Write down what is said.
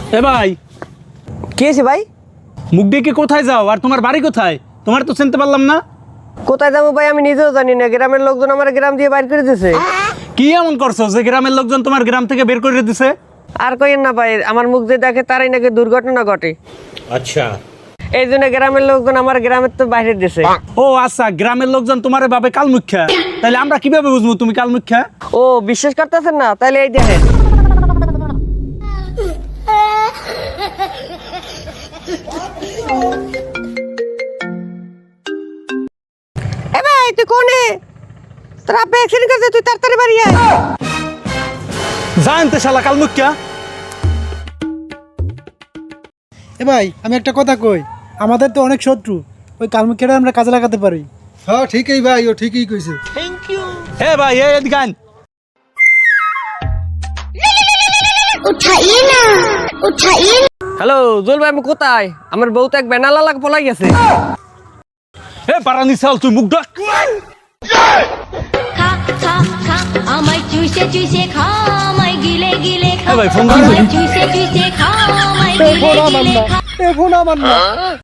এ ভাই, কি হয়েছে ভাই? মুখ ডেকে কোথায় যাও আর তোমার বাড়ি কোথায়? তোমার তো চিনতে পারলাম না। কোথায় যাবো ভাই আমি নিজেও জানি না, গ্রামের লোকজন আমার গ্রাম দিয়ে বাইর করে দিয়েছে। কি এমন করছো যে গ্রামের লোকজন তোমার গ্রাম থেকে বের করে দিছে? আর কইেন না ভাই, আমার মুখ যে দেখে তারাই নাকি দুর্ঘটনা ঘটে। আচ্ছা। এই জন্য গ্রামের লোকজন আমার গ্রামের তো বাইরে দিছে। ও আচ্ছা, গ্রামের লোকজন তোমারে ভাবে কালমুখ্যা, তাহলে আমরা কিভাবে বুঝবো তুমি কালমুখ্যা? ও বিশ্বাস করতেছেন না? তাহলে এই দেখেন। এ ভাই তুই কোনে? তোর আব্বা অ্যাক্সিডেন্ট করছে, তুই তাড়াতাড়ি বাড়ি আয়। জানতে শালা কালমুখ্যা। এ ভাই আমি একটা কথা কই, আমাদের তো অনেক শত্রু, ওই কালমুখিয়াটা আমরা কাজে লাগাতে পারি। হ্যাঁ ঠিকই ভাই, ও ঠিকই কইছে। এ ভাই এদিকে আন। হ্যালো জুল ভাই, আমি কোথায়? আমার বউ তো এক বেনালা লাগ পলাই গেছে। এ পারানি চাল, তুই মুখ ডাক। খা খা খা আমায় চুষে চুষে খা আমায় গিলে গিলে খা এ ভাই, ফোন দিয়েছে। আমায় চুষে চুষে খা আমায় গিলে গিলে খা ফোন আমার না।